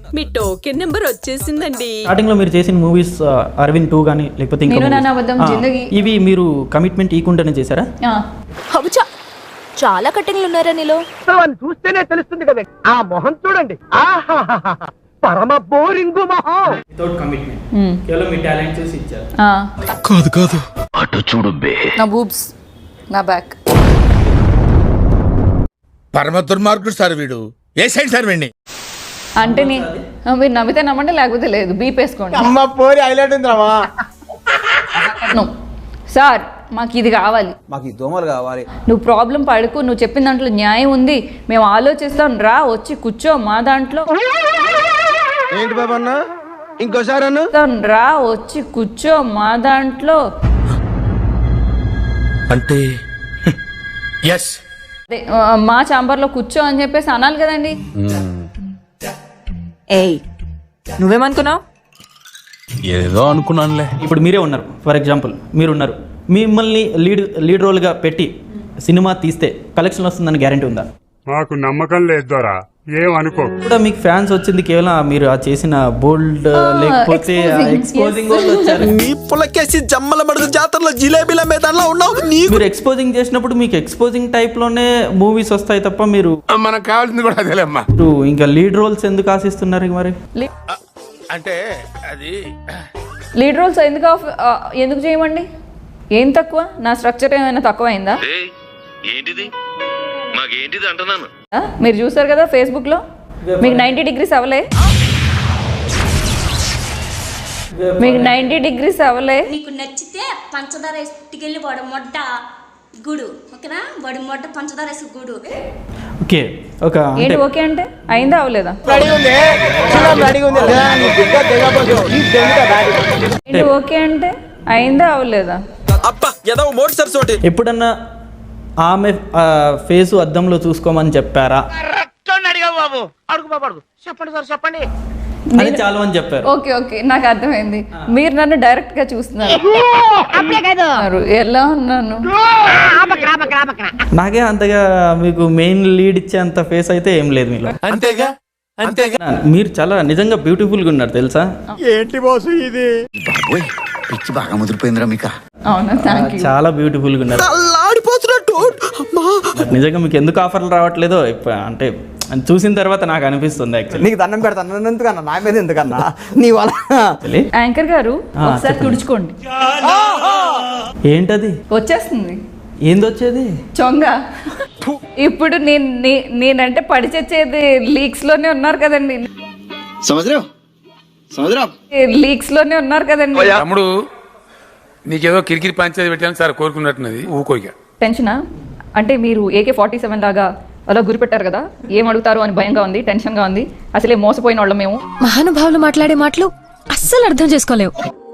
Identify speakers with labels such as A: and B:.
A: మీ token number వచ్చేసిందండి.
B: Starting లో మీరు చేసిన మూవీస్ అరవింద్ 2 గానీ లేకపోతే ఇంకా ఇవి మీరు కమిట్మెంట్ ఇవ్వకుండానే చేశారా?
A: అవుచా, చాలా కటింగ్లు ఉన్నారా నీలో?
C: చూస్తేనే తెలుస్తుంది కదా, ఆ మొహం చూడండి, పరమ బోరింగ్ మొహం.
B: వితౌట్ కమిట్మెంట్, కేవలం మీ టాలెంట్ చూసి ఇచ్చారు.
D: కాదు అటు చూడు బే.
E: నా బూబ్స్, నా బ్యాక్.
D: పరమ దుర్మార్గుడు సార్ వీడు. ఏ సైడ్ సార్ వీడిని?
E: అంటే మీరు నమ్మితే నమ్మండి, లేకపోతే లేదు. బీప్ వేసుకోండి.
C: అమ్మ పోరి హైలైట్ ఉందిరామా.
E: సార్ మాకు ఇది కావాలి,
F: మాకు ఈ దోమలు కావాలి.
E: నువ్వు ప్రాబ్లం పడుకు, నువ్వు చెప్పిన దాంట్లో న్యాయం ఉంది, మేము ఆలోచిస్తాం, రా వచ్చి కూర్చో మా దాంట్లో.
C: ఏంటి బాబా అన్న, ఇంకోసారి అన్న.
E: రా వచ్చి కూర్చో మా దాంట్లో.
D: అంటే ఎస్,
E: మా చాంబర్లో కూర్చో అని చెప్పేసి అనాలి కదండి.
A: ఏయ్, నువ్వేమనుకున్నావు?
D: ఏదో అనుకున్నానులే.
B: ఇప్పుడు మీరే ఉన్నారు, ఫర్ ఎగ్జాంపుల్ మీరు ఉన్నారు, మిమ్మల్ని లీడ్ రోల్గా పెట్టి సినిమా తీస్తే కలెక్షన్ వస్తుందని గ్యారంటీ ఉందా?
G: మాకు నమ్మకం లేదు ద్వారా, ఏమనుకో.
B: కూడా మీకు ఫ్యాన్స్ వచ్చింది కేవలం మీరు ఆ చేసిన బోల్డ్ లేకపోతే ఎక్స్పోజింగ్
F: నీ పులకేసి జమ్మల మడుగు జాతరలో జిలేబీల మేదాన్లో ఉన్నావు.
B: మీరు ఎక్స్పోజింగ్ చేసినప్పుడు మీకు ఎక్స్పోజింగ్ టైప్ లోనే మూవీస్ వస్తాయి తప్ప మీరు
D: మనకు కావాల్సింది కూడా అదేలేమ్మా.
B: ఇంకా లీడ్ రోల్స్ ఎందుకు ఆశిస్తున్నారు మరి?
D: అంటే అది
E: లీడ్ రోల్స్ ఎందుకు చేయమండి? ఏం తక్కువ? నా స్ట్రక్చర్ ఏమైనా తక్కువ అయిందా?
H: ఏంటిది మాకేంటిది అంటున్నాను.
E: మీరు చూసారు కదా ఫేస్బుక్ లో, మీకు 90 degrees అవ్వలే? మీకు 90 degrees అవ్వలే?
I: నీకు నచ్చితే పంచదార ఎత్తుకెళ్ళి వాడు మొడ్డ గుడు, ఓకేనా? వాడి మొడ్డ పంచదార వేసి గుడు.
B: ఓకే, ఒక
E: ఏంటి ఓకే అంటే అయిందా అవ్వలేదా? ఏంటి ఓకే అంటే అయిందా అవ్వలేదా?
B: ఎప్పుడన్నా ఆమె ఫేసు అద్దంలో చూసుకోమని చెప్పారా?
C: చెప్పండి సార్, చెప్పండి.
B: అది చాలు అని చెప్పారు.
E: ఓకే ఓకే, నాకు అర్థమైంది. మీరు నన్ను డైరెక్ట్ గా చూస్తున్నారు. ఎలా ఉన్నాను?
B: నాకే అంతగా మీకు మెయిన్ లీడ్ ఇచ్చే అంత ఫేస్ అయితే ఏం లేదు మీలో.
D: అంతేగా అంతేగా.
B: మీరు చాలా నిజంగా బ్యూటిఫుల్ గా ఉన్నారు తెలుసా?
C: ఏంటి బాసు ఇది?
F: పిచ్చి బాగా ముదిరిపోయిందిరా మీకు.
E: అవునా, థ్యాంక్ యూ.
B: చాలా బ్యూటిఫుల్ గా ఉన్నారు. నిజంగా మీకు ఎందుకు ఆఫర్లు రావట్లేదో అంటే చూసిన తర్వాత నాకు అనిపిస్తుంది. యాక్చువల్లీ
F: నీకు దండం పెడతాను ఎందుకన్నా, నా మీద ఎందుకన్నా నీ వల్ల.
E: యాంకర్ గారు ఒకసారి తుడుచుకోండి.
B: ఏంటది
E: వచ్చేస్తుంది.
B: ఏంది వచ్చేది?
E: చొంగ. ఇప్పుడు నేనంటే పడి చచ్చేది లీక్స్ లోనే ఉన్నారు కదండి. లీక్స్ లోనే ఉన్నారు కదండి.
G: తమ్ముడు నీకేదో కిరికిరి పంచేది పెట్టాను సార్, కోరుకున్నట్టున్నది ఊకోయిక.
E: టెన్షనా? అంటే మీరు AK-47 లాగా అలా గురిపెట్టారు కదా, ఏం అడుగుతారు అని భయంగా ఉంది, టెన్షన్ గా ఉంది. అసలే మోసపోయిన వాళ్ళం మేము.
A: మహానుభావులు మాట్లాడే మాటలు అస్సలు అర్థం చేసుకోలేవు.